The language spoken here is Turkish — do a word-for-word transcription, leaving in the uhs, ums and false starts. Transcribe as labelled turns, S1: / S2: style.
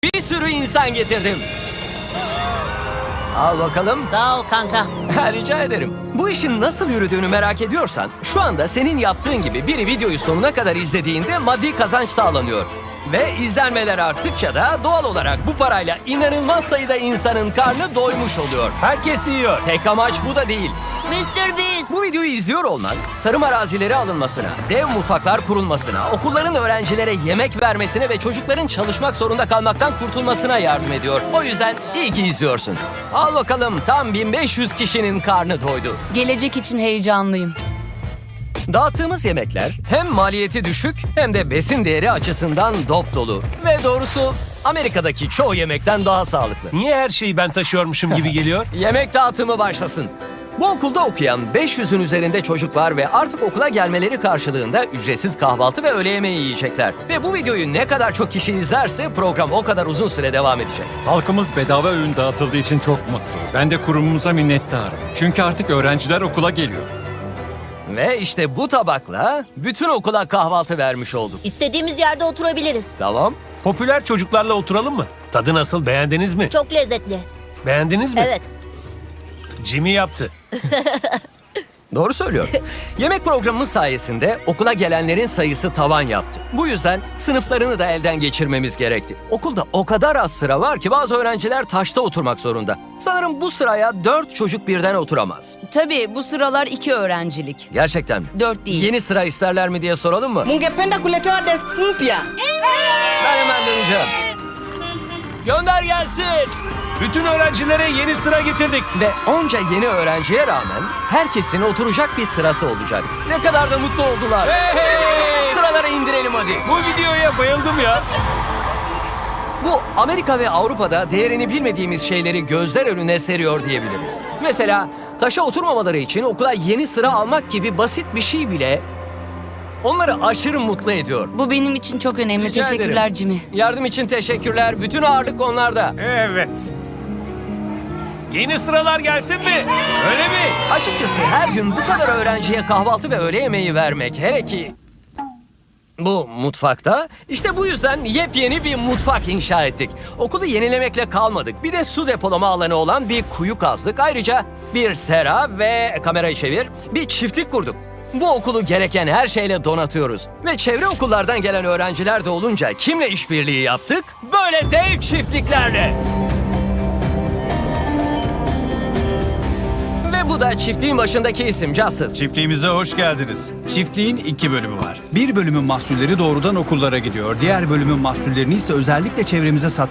S1: Bir sürü insan getirdim. Al bakalım.
S2: Sağ ol kanka.
S1: Rica ederim. Bu işin nasıl yürüdüğünü merak ediyorsan, şu anda senin yaptığın gibi biri videoyu sonuna kadar izlediğinde maddi kazanç sağlanıyor. Ve izlenmeler arttıkça da doğal olarak bu parayla inanılmaz sayıda insanın karnı doymuş oluyor.
S3: Herkes yiyor.
S1: Tek amaç bu da değil.
S2: mister Beast.
S1: Bu videoyu izliyor olman, tarım arazileri alınmasına, dev mutfaklar kurulmasına, okulların öğrencilere yemek vermesine ve çocukların çalışmak zorunda kalmaktan kurtulmasına yardım ediyor. O yüzden iyi ki izliyorsun. Al bakalım, tam bin beş yüz kişinin karnı doydu.
S4: Gelecek için heyecanlıyım.
S1: Dağıttığımız yemekler hem maliyeti düşük hem de besin değeri açısından dop dolu. Ve doğrusu Amerika'daki çoğu yemekten daha sağlıklı.
S3: Niye her şeyi ben taşıyormuşum gibi geliyor?
S1: Yemek dağıtımı başlasın. Bu okulda okuyan beş yüzün üzerinde çocuk var ve artık okula gelmeleri karşılığında ücretsiz kahvaltı ve öğle yemeği yiyecekler. Ve bu videoyu ne kadar çok kişi izlerse program o kadar uzun süre devam edecek.
S5: Halkımız bedava öğün dağıtıldığı için çok mutlu. Ben de kurumumuza minnettarım. Çünkü artık öğrenciler okula geliyor.
S1: Ve işte bu tabakla bütün okula kahvaltı vermiş olduk.
S2: İstediğimiz yerde oturabiliriz.
S1: Tamam.
S3: Popüler çocuklarla oturalım mı? Tadı nasıl, beğendiniz mi?
S2: Çok lezzetli.
S3: Beğendiniz mi?
S2: Evet.
S3: Jimmy yaptı.
S1: Doğru söylüyor. Yemek programımız sayesinde okula gelenlerin sayısı tavan yaptı. Bu yüzden sınıflarını da elden geçirmemiz gerekti. Okulda o kadar az sıra var ki bazı öğrenciler taşta oturmak zorunda. Sanırım bu sıraya dört çocuk birden oturamaz.
S4: Tabii bu sıralar iki öğrencilik.
S1: Gerçekten mi?
S4: Dört değil.
S1: Yeni sıra isterler mi diye soralım mı?
S6: Mungependa kuletewa desks mpya.
S1: Ben hemen döneceğim. Gönder gelsin.
S3: Bütün öğrencilere yeni sıra getirdik.
S1: Ve onca yeni öğrenciye rağmen herkesin oturacak bir sırası olacak. Ne kadar da mutlu oldular.
S3: Hey!
S1: Sıraları indirelim hadi.
S3: Bu videoya bayıldım ya.
S1: Bu Amerika ve Avrupa'da değerini bilmediğimiz şeyleri gözler önüne seriyor diyebiliriz. Mesela taşa oturmamaları için okula yeni sıra almak gibi basit bir şey bile onları aşırı mutlu ediyor.
S4: Bu benim için çok önemli.
S1: Rica
S4: Teşekkürler
S1: ederim.
S4: Jimmy.
S1: Yardım için teşekkürler. Bütün ağırlık onlarda.
S3: Evet. Yeni sıralar gelsin mi? Öyle mi?
S1: Açıkçası her gün bu kadar öğrenciye kahvaltı ve öğle yemeği vermek, hele ki bu mutfakta, işte bu yüzden yepyeni bir mutfak inşa ettik. Okulu yenilemekle kalmadık. Bir de su depolama alanı olan bir kuyu kazdık. Ayrıca bir sera ve kamerayı çevir, bir çiftlik kurduk. Bu okulu gereken her şeyle donatıyoruz. Ve çevre okullardan gelen öğrenciler de olunca kimle işbirliği yaptık? Böyle dev çiftliklerle. Ve bu da çiftliğin başındaki isim Justice.
S7: Çiftliğimize hoş geldiniz. Çiftliğin iki bölümü var. Bir bölümün mahsulleri doğrudan okullara gidiyor. Diğer bölümün mahsullerini ise özellikle çevremize sat